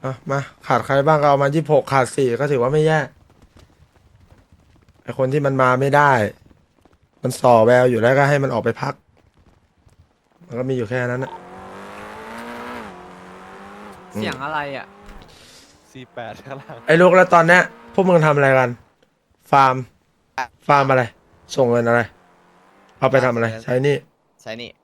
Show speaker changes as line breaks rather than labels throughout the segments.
อ่ะมาขาดใครบ้างก็เอามา26ขาด4ก็ถือว่าไม่แย่ไอคนที่มันมาไม่ได้ มันส่อแววอยู่แล้วก็ให้มันออกไปพักมันก็มีอยู่แค่นั้นนะ
เสียงอะไรอ่ะ
48ข้างล่าง
ไอ้ลูกแล้วตอนเนี้ยพวกมึงทำอะไรกัน ฟาร์ม ฟาร์มอะไร ส่งเงินอะไร เอาไปทำอะไร ใช้หนี่
ใช่นี่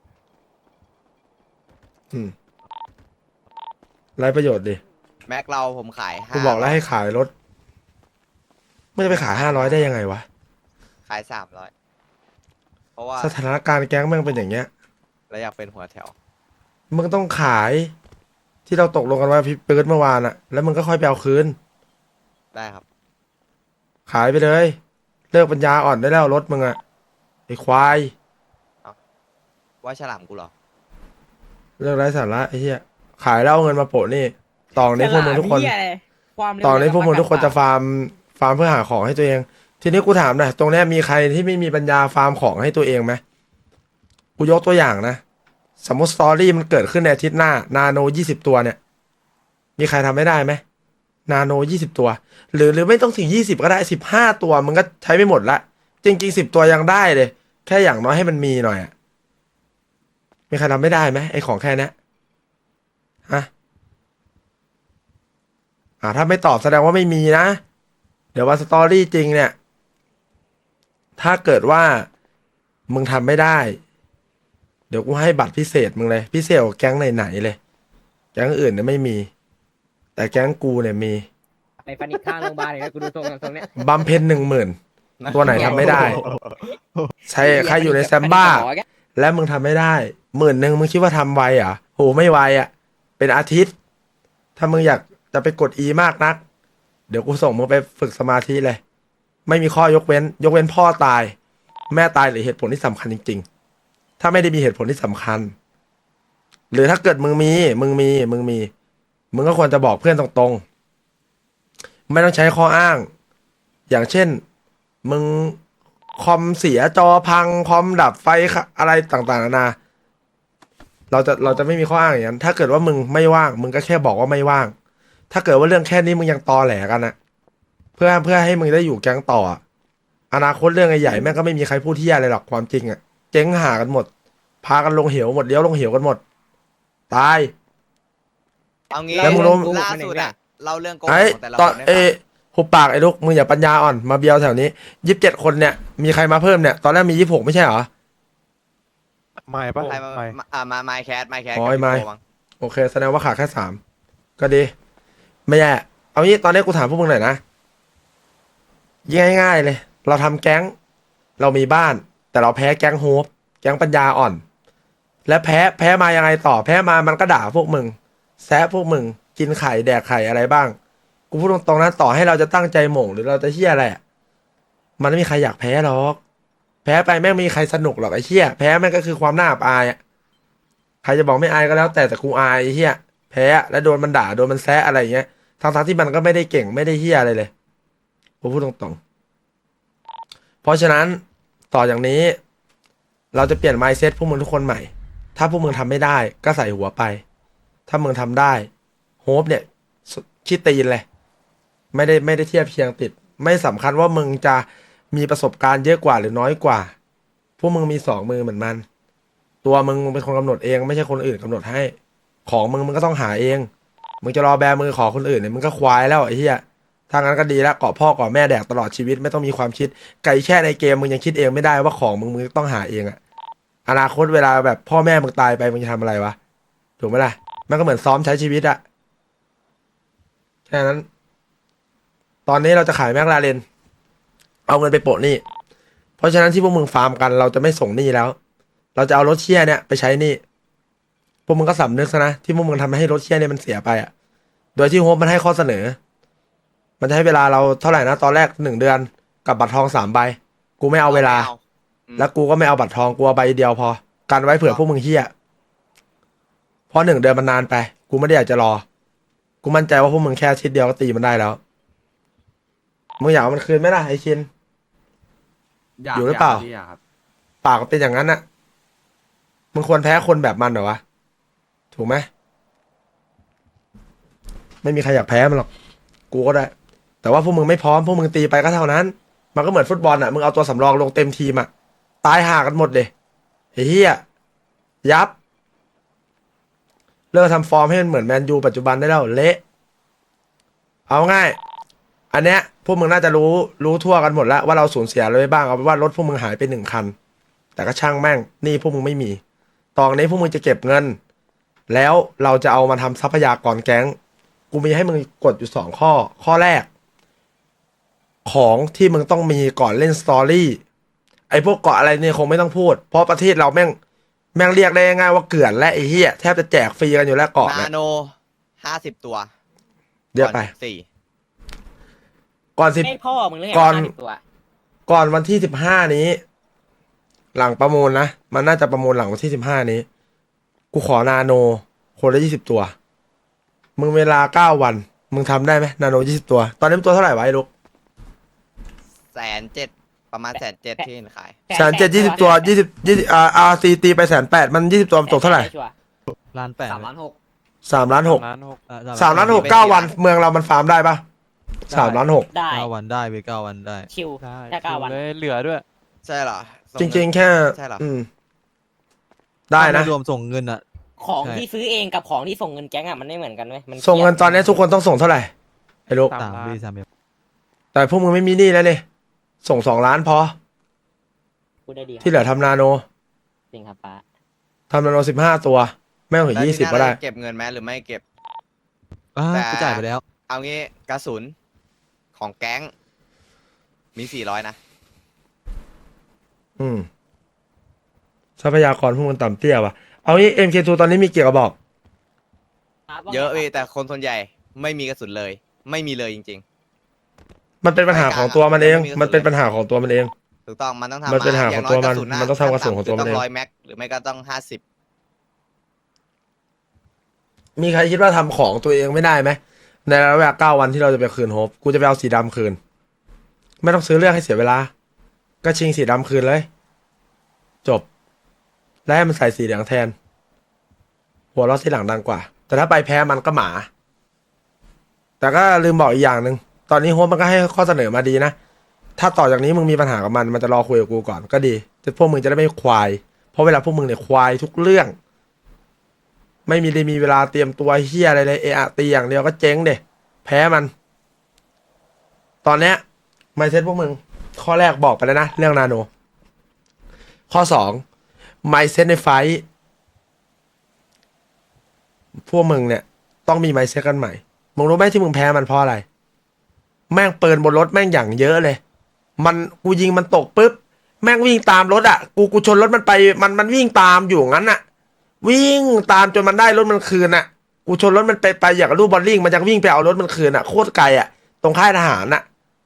อืมไรประโยชน์ดิ
แม็กเราผมขาย
กูบอกแล้วให้ขายรถไม่จะไปขาย500ได้ยังไงวะ
ขาย300เพราะว่า
สถานการณ์แก๊งแม่งเป็นอย่างเงี้ย
เราอยากเป็นหัวแถว
มึงต้องขายที่เราตกลงกันไว้พี่เปิดเมื่อวานอะแล้วมึงก็ค่อยไปเอาคืน
ได้ครับ
ขายไปเลย เลิกปัญญาอ่อนได้แล้วรถมึงอะไอ้ควาย
ว่าฉลามกูเหรอ
เลิกไร้สาระไอ้เหี้ยขายแล้วเอาเงินมาโปะนี่ต่อนี้พวกมึงทุกคน
ฉลาดเหี้ยอะไรความเร็ว
ต่อนี้พวกมึง
เรือ
ทุกคนจะฟาร์มเพื่อหาของให้ตัวเอง ทีนี้กูถามหน่อยตรงเนี้ยมีใครที่ไม่มีปัญญาฟาร์มของให้ตัวเองไหมกูยกตัวอย่างนะสมมติสตอรี่มันเกิดขึ้นในอาทิตย์หน้านาโน20ตัวเนี่ยมีใครทำไม่ได้ไหมนาโน20ตัวหรือไม่ต้องถึง20ก็ได้15ตัวมึงก็ใช้ไม่หมดละจริงๆ10ตัวยังได้เลยแค่อย่างน้อยให้มันมีหน่อยอะมีใครทำไม่ได้ไหมไอ้ของแค่เนี้ยฮะถ้าไม่ตอบแสดงว่าไม่มีนะเดี๋ยววันสตอรี่จริงเนี่ยถ้าเกิดว่ามึงทำไม่ได้เดี๋ยวกูให้บัตรพิเศษมึงเลยพิเศษกว่าแก๊งไหนๆเลยแก๊งอื่นเนี่ยไม่มี แต่แก๊งกูเนี่ยมี
ไอ้ฟันอีกข้างโรงพยาบาลอย่างเงี้ยกูดูตรงเนี้ย
บัมเพน10,000ตัวไหนทำไม่ได้ ใช่ใครอยู่ในแซมบ้า และมึงทำไม่ได้10,000มึงคิดว่าทำไวเหรอ่ะโหไม่ไวอ่ะ เป็นอาทิตย์ ถ้ามึงอยากจะไปกด E มากนัก เดี๋ยวกูส่งมึงไปฝึกสมาธิเลย ไม่มีข้อยกเว้น ยกเว้นพ่อตาย แม่ตายหรือเหตุผลที่สำคัญจริงๆ ถ้าไม่ได้มีเหตุผลที่สำคัญ หรือถ้าเกิดมึงมีมึงก็ควรจะบอกเพื่อนตรงๆ ไม่ต้องใช้ข้ออ้าง อย่างเช่น มึงคอมเสียจอพังคอมดับไฟอะไรต่างๆนานาเราจะไม่มีข้ออ้างอย่างนั้นถ้าเกิดว่ามึงไม่ว่างมึงก็แค่บอกว่าไม่ว่าง ถ้าเกิดว่าเรื่องแค่นี้มึงยังตอแหลกันนะเพื่อให้มึงได้อยู่แก๊งต่ออะอนาคตเรื่องใหญ่ๆแม่งก็ไม่มีใครพูดที่อะไรหรอกความจริงอ่ะเจ๊งหากันหมด พากันลงเหวหมดเลี้ยวลงเหวกันหมด ตาย
เอางี้
แล้วมึงรู้
ล่าสุดอะเล่าเรื่องโกง
ไอ้
ของแต่ละ
ตอน
คนให้
เอ
ฟัง
หุบปากไอ้ลูกมึงอย่าปัญญาอ่อนมาเบียวแถวนี้27คนเนี่ยมีใครมาเพิ่มเนี่ยตอนแรกมี26ไม่ใช่เหรอ
ไม่ปะ
ใครมา
ไม่
มาไมค์แคท
อ๋อ
กับ
ไอ้ไมค์
พี่โกมั้ง
โอเคแสดงว่าขาดแค่3ก็ดี ไม่แย่เอางี้ตอนนี้กูถามพวกมึงหน่อยนะง่ายๆเลย เราทำแก๊ง เรามีบ้าน แต่เราแพ้แก๊งโฮปแก๊งปัญญาอ่อน และแพ้มายังไงต่อแพ้มามันก็ด่าพวกมึงแซะพวกมึงกินไข่แดกไข่อะไรบ้าง กูพูดตรงๆนะต่อให้เราจะตั้งใจหม่งหรือเราจะเชี่ยอะไรอะมันไม่มีใครอยากแพ้หรอกแพ้ไปแม่งไม่มีใครสนุกหรอกไอ้เชี่ยแพ้แม่งก็คือความน่าอับอายอะใครจะบอกไม่อายก็แล้วแต่กูอายไอ้เชี่ยแพ้แล้วโดนมันด่าโดนมันแซะอะไรอย่างเงี้ยทั้งที่มันก็ไม่ได้เก่งไม่ได้เชี่ยอะไรเลยกูพูดตรงๆเพราะฉะนั้นต่ออย่างนี้ เราจะเปลี่ยน mindset พวกมึงทุกคนใหม่ ถ้าพวกมึงทำไม่ได้ก็ใส่หัวไป ถ้ามึงทำได้โฮปเนี่ยขี้ตีนเลยไม่ได้เทียบเคียงติด ไม่สำคัญว่ามึงจะมีประสบการณ์เยอะกว่าหรือน้อยกว่า พวกมึงมี2 มือเหมือนมัน ตัวมึงเป็นคนกำหนดเองไม่ใช่คนอื่นกำหนดให้ ของมึงก็ต้องหาเอง มึงจะรอแบมือขอคนอื่นเนี่ยมึงก็ควายแล้วไอ้เหี้ยถ้างั้นก็ดีแล้วเกาะพ่อเกาะแม่แดกตลอดชีวิตไม่ต้องมีความคิดไก่แช่ในเกมมึงยังคิดเองไม่ได้ว่าของมึงต้องหาเองอะอนาคตเวลาแบบพ่อแม่มึงตายไปมึงจะทำอะไรวะถูกไหมล่ะมันก็เหมือนซ้อมใช้ชีวิตอะแค่นั้น ตอนนี้เราจะขายแมคลาเรนเอาเงินไปโปะหนี้เพราะฉะนั้นที่พวกมึงฟาร์มกันเราจะไม่ส่งหนี้แล้ว เราจะเอารถเชี่ยเนี่ยไปใช้หนี้พวกมึงก็สำนึกซะนะที่พวกมึงทำให้รถเชี่ยเนี่ยมันเสียไปอะโดยที่โฮปมันให้ข้อเสนอ มันจะให้เวลาเราเท่าไหร่นะตอนแรก1 เดือนกับบัตรทอง3 ใบกูไม่เอาเวลา แล้วกูก็ไม่เอาบัตรทองกูเอาใบเดียวพอกันไว้เผื่อพวกมึงเฮี้ยเพราะ1 เดือนมันนานไปกูไม่ได้อยากจะรอกูมั่นใจว่าพวกมึงแค่อาทิตย์เดียวก็ตีมันได้แล้วมึงอยากเอามันคืนไหมล่ะไอ้ชิน อยู่หรือเปล่า
อยากครับ
ปากมันเป็นอย่างนั้นน่ะมึงควรแพ้คนแบบมันเหรอวะถูกไหมไม่มีใครอยากแพ้มันหรอกกูก็ได้ แต่ว่าพวกมึงไม่พร้อมพวกมึงตีไปก็เท่านั้น มันก็เหมือนฟุตบอลอ่ะมึงเอาตัวสำรองลงเต็มทีมอ่ะตายห่ากันหมดเลยไอ้เหี้ยยับเลิกทำฟอร์มให้มันเหมือนแมนยูปัจจุบันได้แล้วเละเอาง่าย อันเนี้ยพวกมึงน่าจะรู้ทั่วกันหมดแล้วว่าเราสูญเสียอะไรไปบ้างเอาเป็นว่ารถพวกมึงหายไป1 คัน แต่ก็ช่างแม่งนี่พวกมึงไม่มีตอนนี้พวกมึงจะเก็บเงิน แล้วเราจะเอามาทำทรัพยากรแก๊งกูมีให้มึงกดอยู่2 ข้อข้อแรก ของที่มึงต้องมีก่อนเล่นสตอรี่ไอ้พวกเกาะอะไรเนี่ยคงไม่ต้องพูดเพราะประเทศเราแม่งเรียกได้ง่ายว่าเกลื่อนและไอ้เหี้ยแทบจะแจกฟรีกันอยู่แล้วเกาะ
นา
เนี่ย
โน50 ตัว
เยอะไป
สี่
ก่อนสิบ
ให้พ่อมึงเลย
ก่อน
50ตัว
ก่อนวันที่15นี้ หลังประมูลนะมันน่าจะประมูลหลังวันที่15นี้กูขอนาโนคนละ20 ตัวมึงเวลา9 วันมึงทำได้ไหมนาโน20 ตัวตอนนี้มันตัวเท่าไหร่วะไอ้ลูก
170,000ประมาณ170,000ที่ขาย
170,000 ตัว20RC ตีไป180,000มัน20 ตัวมันตกเท่าไหร่
ชัวร์
ล้านแปด
3,600,000
3,600,000
ล้านหก
3,600,000 9 วันเมืองเรามันฟาร์มได้ปะ3,600,000
ได้
9 วันได้ไป9 วันได้
ชิว
ได้
แค่9 วัน
เลยเหลือด้วย
ใช่เหรอ
จริงๆแค่
ใช่เหรอ
ได้นะ
ถ้าม่รวมส่งเงินอ่ะ
ของ
ใช่
ที่ซื้อเองกับของที่ส่งเงินแก๊งอ่ะมันไม่เหมือนกันเว้ยมัน
ส่งเงินตอนนี้ทุกคนต้องส่งเท่าไหร่ไอ้ลูก
3
3
ล้าน
ปี3ปี
แต่พวกมึงไม่มีหนี้แล้วเนี่ยส่ง2 ล้านพอ
พูดได้ดี
ที่เหลือทำนาโน
จริงครับป้า
ทำนาโน15 ตัวไม่ต้องถึง
แล้ว
20 ก็ได้
เก็บเงินไหมหรือไม่เก็บ
อ่า
แต่
กูจ่ายไปแล้ว
เอางี้กระสุนของแก๊งมี400นะ
ทรัพยากรพวกมันต่ำเตี้ยว่ะเอางี้ MK2 ตอนนี้มีเกี่ยวกับบอก
เยอะพี่แต่คนส่วนใหญ่ไม่มีกระสุนเลย ไม่มีเลยจริง
มันเป็นปัญหาของตัวมันเอง
ไม่มีกระสุน
มันเป็นปัญหาของตัวมันเอง
ๆ ถูกต้องมันต้องทำ
มันเป็นปัญหาของตัวมัน
ย่างย
มันต้องทำกระสุนของตัวมันเอง
ต้อง100 แม็กหรือไม่ก็ต้อง50
มีใครคิดว่าทำของตัวเองไม่ได้ไหมในระยะเวลา9 วันที่เราจะไปคืนโฮปกูจะไปเอาสีดำคืน ไม่ต้องซื้อเรื่องให้เสียเวลา ก็ชิงสีดำคืนเลย จบ แล้วให้มันใส่สีเหลืองแทน หัวเราะที่หลังดังกว่า แต่ถ้าไปแพ้มันก็หมา แต่ก็ลืมบอกอีกอย่างหนึ่งตอนนี้โฮปมันก็ให้ข้อเสนอมาดีนะ ถ้าต่อจากนี้มึงมีปัญหากับมันจะรอคุยกับกูก่อนก็ดีพวกมึงจะได้ไม่ควาย เพราะเวลาพวกมึงเนี่ยควายทุกเรื่อง ไม่มีเวลาเตรียมตัวเฮียอะไรเลยเอะตีอย่างเดียวก็เจ๊งเดะแพ้มัน ตอนเนี้ยไม่เซ็ตพวกมึง ข้อแรกบอกไปแล้วนะ เรื่องนาโน ข้อ2ไมเซ็ตในไฟท์พวกมึงเนี่ยต้องมีไมเซ็ตกันใหม่ มึงรู้ไหมที่มึงแพ้มันเพราะอะไร แม่งเปิดบนรถแม่งอย่างเยอะเลย กูยิงมันตกปุ๊บ แม่งวิ่งตามรถอ่ะ กูชนรถมันไป มันวิ่งตามอยู่งั้นอ่ะ วิ่งตามจนมันได้รถมันคืนอ่ะ กูชนรถมันไปอย่างกับลูกบอลลิงมันจะวิ่งไปเอารถมันคืนอ่ะ โคตรไกลอ่ะ ตรงค่ายทหารอ่ะ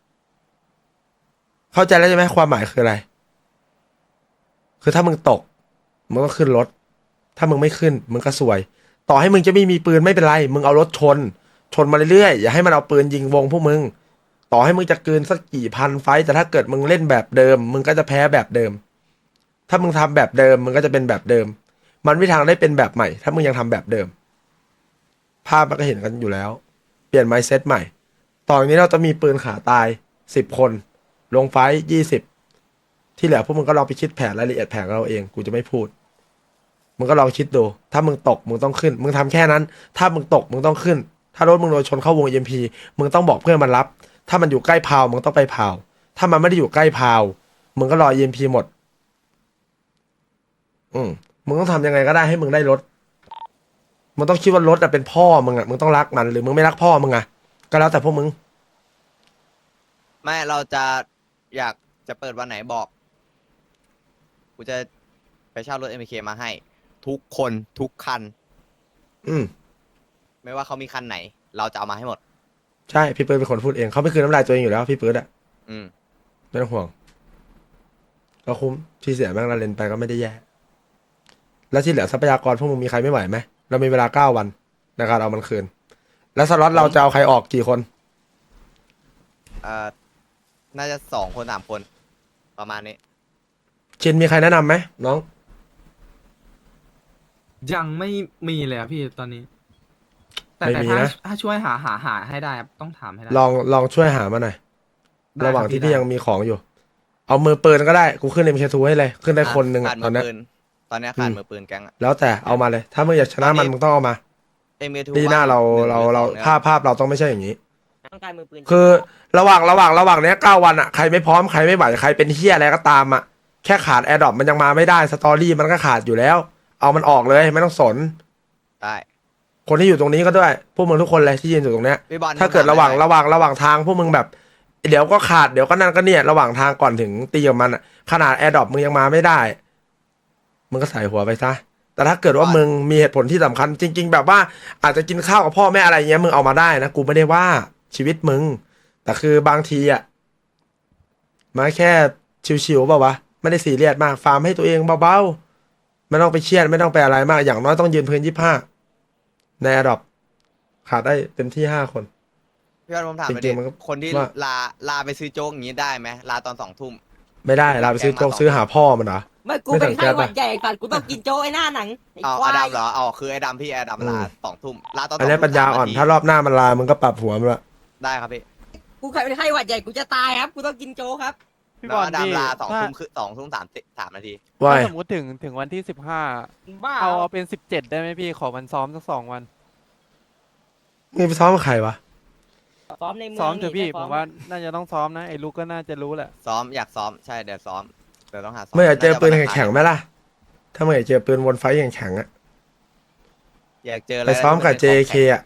เข้าใจแล้วใช่ไหมความหมายคืออะไร คือถ้ามึงตก มึงก็ขึ้นรถ ถ้ามึงไม่ขึ้น มึงก็สวย ต่อให้มึงจะไม่มีปืนไม่เป็นไร มึงเอารถชนมาเรื่อยๆ อย่าให้มันเอาปืนยิงวงพวกมึง ต่อให้มึงจะเกินสักกี่พันไฟต์แต่ถ้าเกิดมึงเล่นแบบเดิม มึงก็จะแพ้แบบเดิม ถ้ามึงทำแบบเดิม มึงก็จะเป็นแบบเดิม มันไม่ทางได้เป็นแบบใหม่ ถ้ามึงยังทำแบบเดิม ภาพมันก็เห็นกันอยู่แล้ว เปลี่ยนไมซ์เซตใหม่ ตอนนี้เราจะมีปืนขาตาย10 คน ลงไฟต์20 ที่เหลือพวกมึงก็ลองไปคิดแผนรายละเอียดแผนเราเอง กูจะไม่พูด มึงก็ลองคิดดู ถ้ามึงตก มึงต้องขึ้น มึงทำแค่นั้น ถ้ามึงตก มึงต้องขึ้น ถ้ารถมึงโดนชนเข้าวง EMP มึงต้องบอกเพื่อนมันรับ ถ้ามันอยู่ใกล้พาว มึงต้องไปพาว ถ้ามันไม่ได้อยู่ใกล้พาว มึงก็รอ EMP หมด มึงต้องทำยังไงก็ได้ให้มึงได้รถ มึงต้องคิดว่ารถเป็นพ่อมึงอ่ะ มึงต้องรักมัน หรือมึงไม่รักพ่อมึงอ่ะ ก็แล้วแต่พวกมึง
ไม่เราจะอยากจะเปิดวันไหนบอก กูจะไปเช่ารถ MK มาให้ ทุกคนทุกคัน ไม่ว่าเขามีคันไหน เราจะเอามาให้หมด
ใช่ พี่เปิร์ดเป็นคนพูดเอง เขาไม่คืนน้ำลายตัวเองอยู่แล้ว พี่เปิร์ดอ่ะ
อืม
ไม่ต้องห่วง ก็คุ้มที่เสียแม่งละเลนไปก็ไม่ได้แย่ แล้วที่เหลือทรัพยากรพวกมึงมีใครไม่ไหวไหม เรามีเวลา9 วันในการเอามันคืน แล้วสล็อตเราจะเอาใครออกกี่คน
น่าจะ2 คน3 คน ประมาณนี้
ชินมีใครแนะนำไหมน้อง
ยังไม่มีเลยอะพี่ตอนนี้แต่
ไม่
แต่
มี
ถ้า
นะ
ถ้าช่วยหาให้ได้ครับต้องถามให้ได้
ลองช่วยหามาหน่อย
ได้
ระหว่าง
ครับ
ที่
พี่
พี่
ได้
ยังมีของอยู่ เอามือปืนก็ได้กูขึ้น MK2 ให้เลยขึ้นได้คนหนึ่ง
ขา
อะ
ด
ต
มื
อน
อ
เนี้ย
ปืนตอนเนี้ยขาด
อืม
มือปืนแก๊งอะ
แล้วแต่เอามาเลย ถ้ามึงอยากชนะ
ตอนนี้
มันมึงต้องเอามา
MK2
ปีหน้าเรา
ว่งหนึ่งหรือสองนี่ย
ภาพเราต้องไม่ใช่อย่างนี้
ต้องการมือปืน
คือระหว่างเนี้ย9 วันอะใครไม่พร้อมใครไม่ไหวใครเป็นเฮียอะไรก็ตามอะแค่ขาดแอร์ดรอปมันยังมาไม่ได้สตอรี่มันก็ขาดอยู่แล้ว เอามันออกเลยไม่ต้องสน
ได้
คนที่อยู่ตรงนี้ก็ด้วยพวกมึงทุกคนเลยที่ยืนอยู่ตรงเนี้ย
พี่บอล
ถ้าเกิดระหว่างทางพวกมึงแบบ เดี๋ยวก็ขาดเดี๋ยวก็นั่นก็เนี่ยระหว่างทางก่อนถึงตีกับมันอะขนาดแอร์ดรอปมึงยังมาไม่ได้มึงก็ใส่หัวไปซะแต่ถ้าเกิดว่ามึงมีเหตุผลที่สำคัญจริง ๆ แบบว่าอาจจะกินข้าวกับพ่อแม่อะไรเงี้ยมึงเอามาได้นะกูไม่ได้ว่าชีวิตมึงแต่คือบางทีอะมาแค่ชิวๆเปล่าวะไม่ได้ซีเรียสมากฟาร์มให้ตัวเองเบาๆไม่ต้องไปเครียดไม่ต้องไปอะไรมากอย่างน้อยต้องยืนพื้น25ในแอร์ดรอปขาดได้เต็มที่5 คน
พี่บอลผมถามไป
จริ
ดิ
งๆมันก็
คนที่
ว่า
ลาไปซื้อโจ๊กอย่างนี้ได้ไหมลาตอน2 ทุ่ม
ไม่ได้เราไปซื้อโจ๊กซื้อหาพ่อมันเหรอ
ไม่กู
ไม่
เป็น
สัง
ไข้
เกต
หวั
ปะ
ดใหญ่ก่อนกูต้องกินโจ้ไอ้หน้าหนังไอ้
เอา
ควา
อย ดัมเหรอเอาคือไอ้ดำพี่ไอ้ดำลา 2 ทุ่มลาตอน
อันนี้
2
ปัญญาอ่อนถ้ารอบหน้ามันลามึงก็ปรับหัวมันละ
ได้ครับพี่
กูเคยเป็นไข้หวัดใหญ่กูจะตายครับกูต้องกินโจ้ครับ
พี่
แล้ว
บอล
ไอ้ดำลา2
ถ้า
ทุ่มคือ2 ทุ่ม3 นาที
ว่า
ถ้าสมมติถึงวันที่15
บ้า
เอาเป็น17ได้ไหมพี่ขอวันซ้อมสัก2 วัน
มึงไปซ้อมกับใครวะ
ซ้อมในเมือง
ซ้อมเถอะพี่
นี่
ผมว่าน่าจะต้องซ้อมนะไอ้ลูกก็น่าจะรู้แหละ
ซ้อมอยากซ้อมใช่เดี๋ยวซ้อมเดี๋ยวต้องหาซ้อม
ไม่อยากเจอปืน
าจะ
แข็งๆไหมล่ะ ถ้าไม่อยากเจอปืนวนไฟแข็งๆอะ
อยากเจออะไร
ไปซ้อมกับ
ที่นเป็น
JK อะ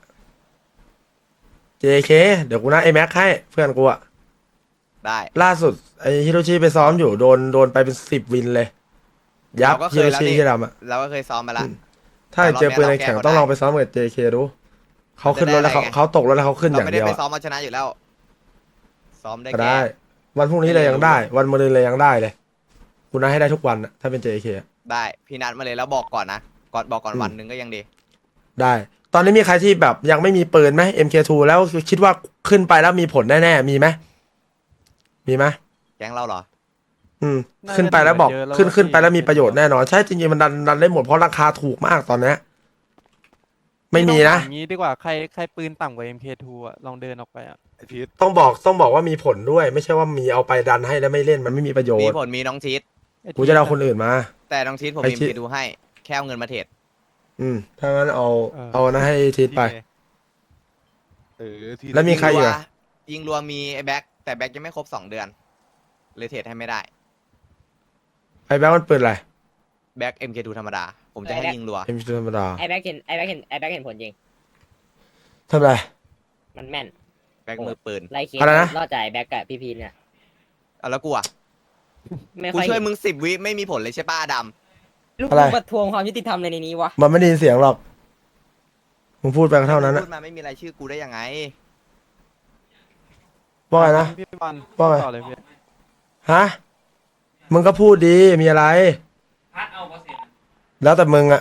JK เดี๋ยวกูนะไอแม็กให้เพื่อนกูอะ
ได้
ล่าสุดไอฮิโรชิไปซ้อมอยู่โดนไปเป็น10 วินเลย ยับ
เราก็เค
ฮิ
ย
โร
แล้ว
ชิ
นี่
ที่ดำอะ
เราก็เคยซ้อมมาละ
อืม ถ้าอยากเจอปืนแข็งๆต้องลองไปซ้อมกับ JK ดูเขาขึ้นรถแล้วเขาตกรถแล้วเขาขึ้นอ
เรา
ย่าง
ไม่
เดี
ได้
ยว
ไป
อะ
ซ้อมมาชนะอยู่แล้ว ซ้อมได้
ก็
แค่
ได้ วันพรุ่งนี้เลยยังได้ วันมะรืนเลยยังได้เลยกูน่าให้ได้ทุกวันอะถ้าเป็น JK อะ
ได้พี่นัดมาเลยแล้วบอกก่อนนะบอกก่อน
อืม
วันหนึ่งก็ยังดี
ได้ ตอนนี้มีใครที่แบบยังไม่มีปืนไหม MK2 แล้วคิดว่าขึ้นไปแล้วมีผลแน่ๆ มีไหม มีไหม
แก๊งเราเหรอ
อืม
น่าจะ
ขึ้นไปแล้วบอก
เหลือเยอะแล้ว
ขึ้นไปแล้วมี
พี่
ประโยชน์แน่นอน ใช่จริงๆมันดันได้หมดเพราะราคาถูกมากตอนเนี้ยไม่มีนะ
พี่ต้องถาอย่างนี้ดีกว่าใครปืนต่ำกว่า MK2 อ่ะลองเดินออกไปอ่ะ
ไอพีท
ต้องบอกว่ามีผลด้วย ไม่ใช่ว่ามีเอาไปดันให้แล้วไม่เล่นมันไม่มีประโย
มี
ชน์
ผลมีน้องชีต
ไอ้
กูจะเอาคนอื่นมา
แต่น้องชีตผม
ไอ้
มี
ชีท
ไปดูให้ แค่เอาเงินมาเทรด
ถ้างั้นเอานะให้ทิศไป
ที
แล้วมีใครอีกอะ
ยิงรัวมีไอ้แบ็คแต่แบ็คยังไม่ครบ2 เดือนเลยเทรดให้ไม่ได้
ไอ้แบ๊กมันปืนอะไร
แบ็ค MK2 ธรรมดา ผมจะให้ยิงรัว
เอ็มธรรมดา
ไอ้แบ็คเห็นผลจริง
ทำไร
มันแม่น
แบ็คมือปืน
ไล่เคส
อะไรนะ
รอดจากไอ้แบ็คกับพี่พีเนี่ย
เอาแล้วกูอ่ะ
ไม่
กู
ค่อย
ช่วยมึง10 วิไม่มีผลเลยใช่ป้าด
ลูก
อะไร
กูมาทวงความยุติธรรมในนี้วะ
มันไม่ได้ยินเสียงหรอกมึงพูดไปก็
ำ
เท่านั้น
มึ
นะ
งพูดมาไม่มีรายชื่อกูได้ยังไง
ว่าไงนะ
พี่บอล
ว่าไง
ต่อเลยพี่
ฮะ มึงก็พูดดี มีอะไร แล้วแต่มึงอะ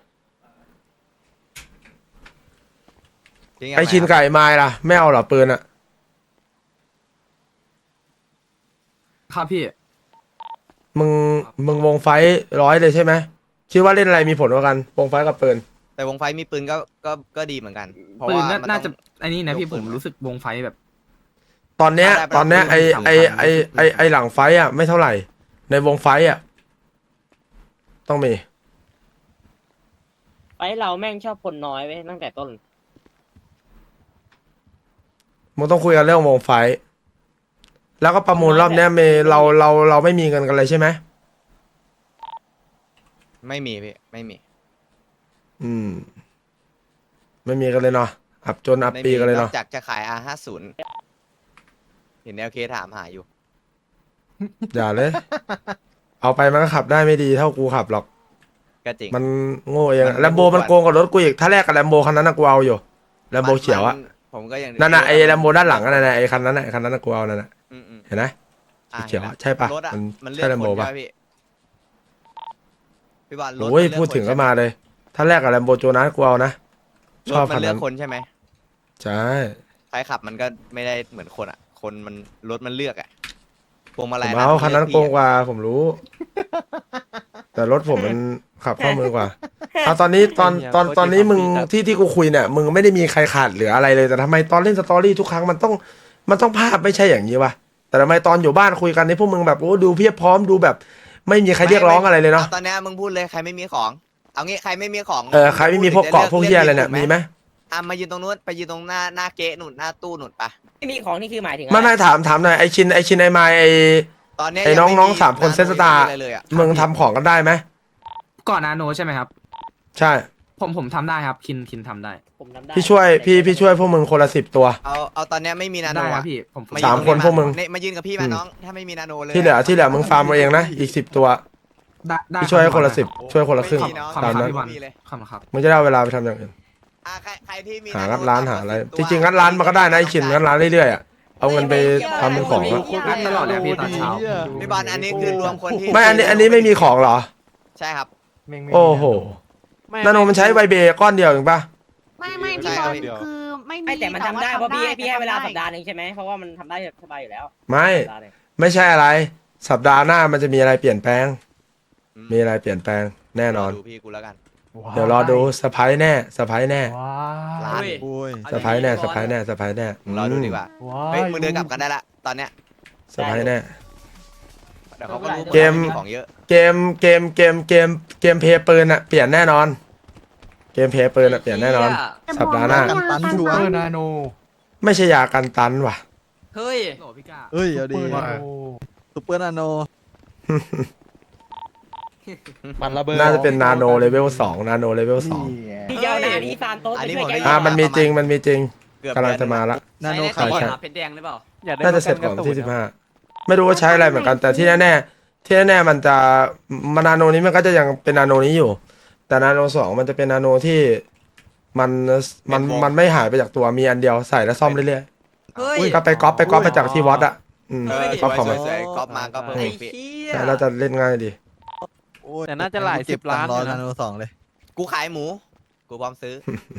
จริงๆ
ไอชินไก่ไม้ล่ะ ไม่เอาเหรอปืนอะ
ครับพี่
มึงวงไฟ100เลยใช่ไหม คิดว่าเล่นอะไรมีผลกว่ากัน วงไฟกับปืน
แต่วงไฟมีปืนก็ดีเหมือนกัน เพราะ
ปืน
ว่ามั
น่าจะ
ต้อง
ไอ้นี่นะพี่
ยก
ผ
ปื
ม
น
รู้สึกวงไฟแบบ
ตอนเนี้ย
ได้
ตอนเนี้ย
ได้
ไอหลังไฟอะไม่เท่าไหร่ ในวงไฟอะต้องมี
ไปเราแม่งชอบคนน้อยไว้ยตั้งแต่ต้น
มึงต้องคุยกันเรื่องวงไฟ แล้วก็ประมูลรอบเนี้ยเราไม่มีเงินกันเลยใช่ไหม
ไม่มีพี่ไม่มี
อืม ไม่มีกันเลยเนาะ อับจนอับ
ไม่
ปี
มี
กันเลย
นอ
เนาะ
กจากจะขาย R50 เห็นแนวเคถามหาอยู่
อย่าเลย เอาไปมันก็ขับได้ไม่ดีเท่ากูขับหรอก
ก็จริง
มันโง่เอง
มัน
แลมโบมันโกงกับรถกูอีก ถ้าแรกกับแลมโบคันนั้นนะกูเอาอยู่แลมโบเขียวอะ
ผมก็ยัง
นั่นน่ะไอ้แลมโบด้านหลังนั่นน่ะไอ้คันนั้นน่ะไอ้คันนั้นน่ะกูเอานั่นน่ะ
อืม
เห็นไหม
อ่ะ
เขียว
ห็นแล้ว
ใช่ปะ
รถอ่ะ
มัน
มันเลือ
ใช่
ก
แลม
ค
โบ
น
ปะ
ใช่ไหมพี่บอลรถ
โอ้ย
มันเลือก
พูดถึง
คน
ก็
ใช่ไห
มาเลย ถ้าแรกกับแลมโบโจนัสกูเอานะ ช
ร
อบ
ถมั
คัน
นเลือ
นั้
ก
น
คนใช่ไหม
ใช่
ใครขับมันก็ไม่ได้เหมือนคนอ่ะ คนมันรถมันเลือกอ่ะพวงมา
ผ
ลัย
มเอาคันนั้นโกงก
ว่า
ว่าผมรู้ แต่รถผมมันขับเข้ามือกว่าเอาตอนนี้ตอนนี้มึงที่กูคุยเนี่ยมึงไม่ได้มีใครขาดเหลืออะไรเลยแต่ทำไมตอนเล่นสตอรี่ทุกครั้งมันต้องภาพไม่ใช่อย่างนี้วะแต่ทำไมตอนอยู่บ้านคุยกันนี่พวกมึงแบบโอ้ดูเพียบพร้อมดูแบบ ไม่มีใครเรียกร้องอะไรเลยเนาะ
ตอนนี้มึงพูดเลยใครไม่มีของ เอางี้ใครไม่มีของ
ใครไม่มีพวกเกาะพวกเฮียอะไรเนี่ยมีไหม
มายืนตรงนู้นไปยืนตรงหน้าเก๊ะหนุนหน้าตู้หนุนปะ
ไม่มีของนี่คือหมายถึงอะร
ไม่ถามหน่อยไอชินไอไมล์
ตอนนี้
ไอ้น้องๆสามคนเซตสตาร์
อะไรเลยอะ
มึงทำของกันได้ไหม
ก่อนนาโนใช่ไหมครับ
ใช่
ผมทำได้ครับคินทำได้
ผมทำได้
พี่ช่วยพวกมึงคนละ10 ตัว
เอาตอนนี้ไม่มีนาโน
ได้ครั
อะ
บพี่ผม
มา
สาม
ยื
คนพวกมึง
มายืนกับพี่มาน้องถ้าไม่มีนาโนเลย
ที่เหลือมึงฟาร์มเอาเองนะอีก10 ตัว
ได้
พี่ช่วยให้คนละ
รับ
10ช่วยคนละครึ่ง
ไม่มีเนอะ
ขอบ
ตาม
คุณครับ
นั้น
พี่บอล
ไม่มีเลย
ขอบคุณครับ
มึงจะได้เอาเวลาไปทำอย่างอื่น
ใครที่มี
หา
โ
งัดร้านหาอะไร
10
จริงๆงัดร้านมันก็ได้นะไอชินงัดร้านเรื่อยๆอะเอาเงินไปทำเป็นของอะ
งัดตลอดเลยพี่ตอนเช้า
พี่บอลอันนี้คือรวมคนที่
ไม่อันนี้ไม่มีของเหรอ
ใช่ครับ
โอ้โหนาโนมันใช้ไวเบก้อนเดียวเองปะ
ไม่
ใช่
พี่บ
ครั
อบ ลคือไม่มี
ไม่แต่มันทำได้เพราะพี่ให้เวลา
ทำได้
สัปดาห์หนึงใช่ไหมเพราะว่ามันทำได้สบายอยู่แล้ว
ไม่
สัปดาห์หนึ่ง
ไม่ใช่อะไร สัปดาห์หน้ามันจะมีอะไรเปลี่ยนแปลง มีอะไรเปลี่ยนแปลงแน่นอน
ดูพี่กูแล้วกัน
เดี๋ยวรอดูเซอร์ไพรส์แน่เซอร์ไพรส์แน่
ร้าน
โอ้ย
เซอร์ไพรส์แน่เซอร์ไพรส์แน่เซอร์ไพรส์แน่
รอดูดีกว่าเฮ้ยมึงเดินกลับกันได้ละตอนเนี้ย
เซอร์ไพรส์แน่
เดี๋ยวเขาก็รู้
เกม
ของเยอะ
เกมเพย์ปืนอะเปลี่ยนแน่นอน เกมเพย์ปืนอะเปลี่ยนแน่นอน สัปดาห์หน้า
กันตันชัวร์
ไม่ใช่ยากันตันว่ะ
เฮ้ยโหลพี่กา
เอ้ยเอาดีซุปเปอร์นาโน
มันระเบิด
น่าจะเป็นนาโนเลเวล2นาโนเลเวล2
พี่เจ้าหน้านี้ซานโต้
อันนี้
ช่วย
ผม
แก
ได้ยิ
มันมีจริง
เกือบ
กำลังจะมาละ
นาโน
ใช่
ขาว
ใช่
เพชรแดงหรือเปล่า
อยากได้
น่าจะเสร็จก่อนที่15ไม่รู้ว่าใช้อะไรเหมือนกัน แต่ที่แน่ๆมันจะมานาโนนี้มันก็จะยังเป็นนาโนนี้อยู่ แต่นาโน2มันจะเป็นนาโนที่มันไม่หายไปจากตัวมีอันเดียวใส่แล้วซ่อมเรื่อย
เฮ้ย
ๆก็ไปก๊อปมาจากที่วัดอ่ะก๊อปของมัน
สวยๆก๊อปมาก็เพิ่มอีกพี่
ใช่เราจะเล่นง่ายดี
แต่น่าจะหลาย10 ล้าน
รอ
อยู่
นา
นะ
โน2เลย
กูขายหมู กูพร้อมซื้อ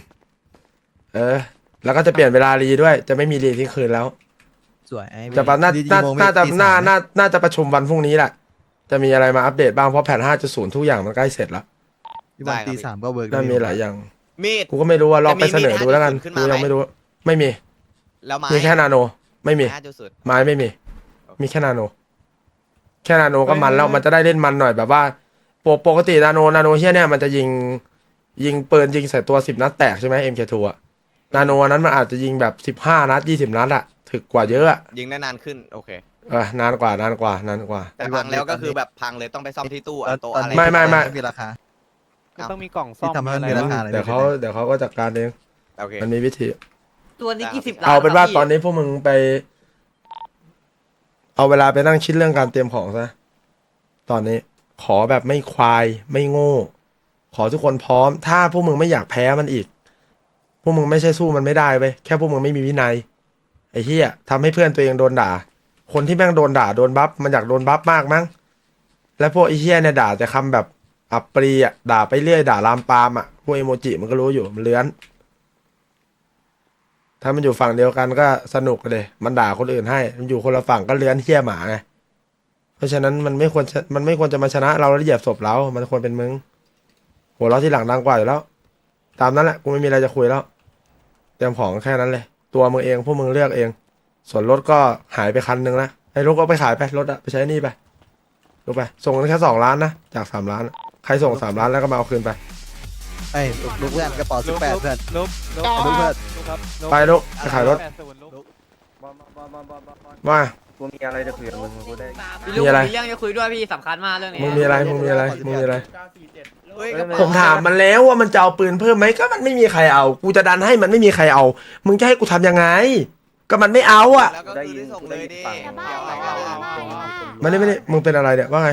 แล้วก็จะเปลี่ยนเวลารีด้วย จะไม่มีรีทิ้งคืนแล้ว
สวยไอ้
จะน่า
ดี
น่า
โมเมนต์
น่าจะ
ตี
น่า
สาม
น่าจะประชุมวันพรุ่งนี้แหละ จะมีอะไรมาอัปเดตบ้างเพราะแผน 5.0 ทุกอย่างมันใกล้เสร็จแล้ว
พี่บอล
ได้ครับ
ตี 3ก็เวิร์ก
น่ามีหลายอย่าง
มีด
กูก็ไม่รู้ว่าลองไปเสนอดูแล้วกัน
จะมี
กูยังไม่รู้ ไม่มี
แล้วไม้
มีแค่นาโน ไม่มี
5.0
ไม้ไม่มี มีแค่นาโน แค่นาโนก็มันแล้วมันจะได้เล่นมันหน่อยแบบว่าปกตินาโนเฮียเนี่ยมันจะยิงปืนยิงใส่ตัว10 นัดแตกใช่ไหม MK2 อะนาโนนั้นมันอาจจะยิงแบบ15 นัด20 นัดอะถึกกว่าเยอะอะ
ยิงได้นานขึ้น โอเค
นานกว่า
แต่พังแล้วก็คือแบบพังเลยต้องไปซ่อมที่ตู้อะโต๊ะอะไร
ไม่
มีราคา
ก็ต้องมีกล่องซ่อม
ที่ทำให้มัน
อะไร
มีราคา
วะ
อะไร
เดี๋ยวเขาก็จัดการเอง
โอเค
มันมีวิธี
ตัวนี้กี่สิบล้าน
เอาเป็นว่า
ครับพี่
ตอนนี้พวกมึงไป เอาเวลาไปนั่งคิดเรื่องการเตรียมของซะ ตอนนี้ขอแบบไม่ควายไม่โง่ ขอทุกคนพร้อม ถ้าพวกมึงไม่อยากแพ้มันอีก พวกมึงไม่ใช่สู้มันไม่ได้เว้ยแค่พวกมึงไม่มีวินัยไอ้เหี้ยทำให้เพื่อนตัวเองโดนด่า คนที่แม่งโดนด่าโดนบัฟมันอยากโดนบัฟมากมั้งแล้วพวกไอ้เหี้ยเนี่ยด่าแต่คำแบบอับปรีอ่ะด่าไปเรื่อยด่าลามปามอ่ะพวกเอโมจิมันก็รู้อยู่มันเลื้อน ถ้ามันอยู่ฝั่งเดียวกันก็สนุกเลยมันด่าคนอื่นให้ มันอยู่คนละฝั่งก็เลื้อนเหี้ยหมาไงเพราะฉะนั้นมันไม่ควรจะมาชนะเราแล้วเหยียบศพเรา มันควรเป็นมึงหัวเราะที่หลังดังกว่าอยู่แล้ว ตามนั้นแหละกูไม่มีอะไรจะคุยแล้ว เตรียมของแค่นั้นเลย ตัวมึงเองพวกมึงเลือกเอง ส่วนรถก็หายไปคันนึงแล้วไอ้รถก็ไปขายไปรถอะไปใช้หนี่ไปลูกไปส่งกันแค่2 ล้านนะจาก3 ล้านใครส่ง3 ล้านแล้วก็มาเอาคืนไป
ไอ้ลูกเพื่อนกระเป๋า18เพื่อน
ลบ
ลูกเพื่อน
ครับ
ไปลูกไปขายรถ
80ลบ
ว่า
กูมีอะไรจะคุยกับมึงกูได้
มีอะไร
มีเรื่องจะคุยด้วยพี่สำคัญมากเรื่องนี้
มึงมีอะไร
เฮ้ย
ผมถามมันแล้วว่ามันจะเอาปืนเพิ่มไหมก็มันไม่มีใครเอา กูจะดันให้มันไม่มีใครเอา มึงจะให้กูทำยังไง ก็มันไม่เอาอ่ะ
แล้วก็คือได้ส่งเลยดิ
มันไม่ได้มึงเป็นอะไรเนี่ยว่าไง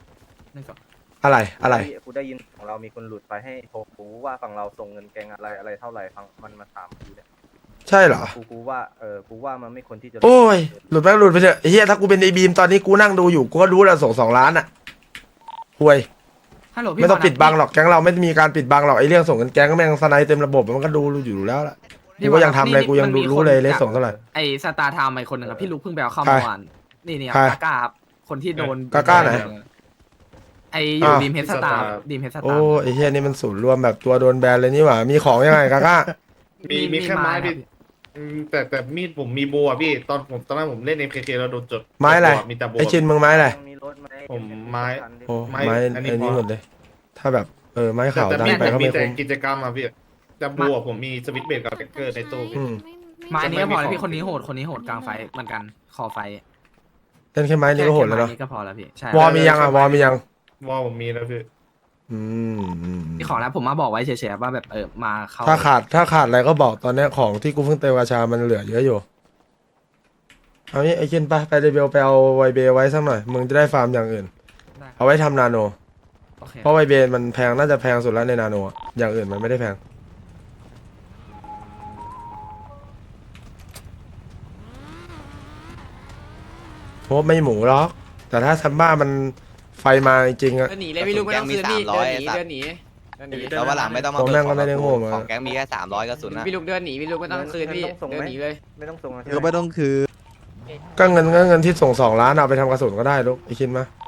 อะไร
กูได้ยินของเรามีคนหลุดไปให้โทรกูว่าฝั่งเราส่งเงินแกงอะไรเท่าไหร่ฟังมันมาถามกูเนี่ย
ใช่เหรอ
กูว่ากูว่ามันไม่ควรที่จะ
โอ้ยหลุดไปเถอะไอ้เฮียถ้ากูเป็นไอ้บีมตอนนี้กูนั่งดูอยู่กูก็รู้แล้วส่ง2 ล้านอ่ะห่วย
ฮัลโหลพี่
ไม่ต้อง
บล
ปิดบังหรอกแก๊งเราไม่มีการปิดบังหรอกไอ้เรื่องส่งเงินแก๊งแม่งสไนด์เต็มระบบมันก็ดูอยู่แล้วล่ะกูก็ยังทำอะไรกูยังรู้เลยเลสส่งเท่าไหร่
ไอ้สตาร์ไทม์ไอ้คนหนึ่งครับพี่ลุกเพิ่งไปเอาเข้า
ใคร
เมื่อวานนี่
ใคร
กาก้าครับคนที่โดน
กาก้าไหน
ไออยู่
อ้าว
ดีมเฮดสตาร์ดีมเฮดสตา
โอ้
ร์
ไอ้เฮียนี่มันศูนย์รวมแบบตัวโดนแบนเลยนี่หว่ามีของยังไงกาก้า
มีแค่ไม้
ครั
พี่
บ
แต่มีดผมมีโบอ่ะพี่ตอนนั้นผมเล่น MKK แล้วโดนจด
ไม้อะไร
จดมีแต่โบ
ไอ้ชินมึงไม้อะไร
มีรถไหม
ผมไม้
โอ้
ไม้
ไม้
อั
อั
น
น
นี้
นี้
พอ
หมดเลย ถ้าแบบไม้ขาว
แต่
ดัน
มีด
ไป
ผม
ก็
มี
ไม่
แต่
คุ้ม
กิจกรรมอ่ะพี่แต่โบอ่ะผมมีสวิตช์เบรกกับแท็กเกอร์ในตู้พี่
อืม
ไม้นี้ก็พอแล้ว
ไม่มี
พี่คนนี้โหดคนนี้โหดกลางไฟเหมือนกันคอไฟ
เล่นแค่ไม้นี่ก็โหดแล้วเนาะ
แค่ไม้นี้ก็พอแล้วพี่ใช่
วอลมียังอ่ะวอลมียัง
วอลผมมีแล้วพี่
อืม
มีของแล้วผมมาบอกไว้เฉยๆว่าแบบมาเข้า
ถ้าขาดอะไรก็บอกตอนเนี้ยของที่กูเพิ่งเติมกาชามันเหลือเยอะอยู่เอางี้ไอ้ชินไปเดบิวไปเอาไวเบไว้สักหน่อยมึงจะได้ฟาร์มอย่างอื่น
ได้
เอาไว้ทำนาโน
โอเค
เพราะไวเบมันแพงน่าจะแพงสุดแล้วในนาโนอะอย่างอื่นมันไม่ได้แพงโฮปไม่หมูหรอกแต่ถ้าซัมบ้ามันไฟมาจริงๆอะ
เดินหนีเลยพี่ลูกไม่ต้องคืนพี่
แก๊งมี
เดินหนี
300
เดินหนีเดินหนี
แล้ววันหลังไม่ต้องมา
ผมแม่งก็ไม่ได้โง่มา
ของแก๊งมีแค่300กระสุนนะ
พี่ลูกเดินหนีพี่ลูกไม่ต้องคืนพี่เดินหนีเลย
ไม่ต้องส่งนะ
ก็ไม่ต้องคือ
ก็เงินที่ส่ง2 ล้านเอาไปทำกระสุนก็ได้ลูกไอ้คิดมา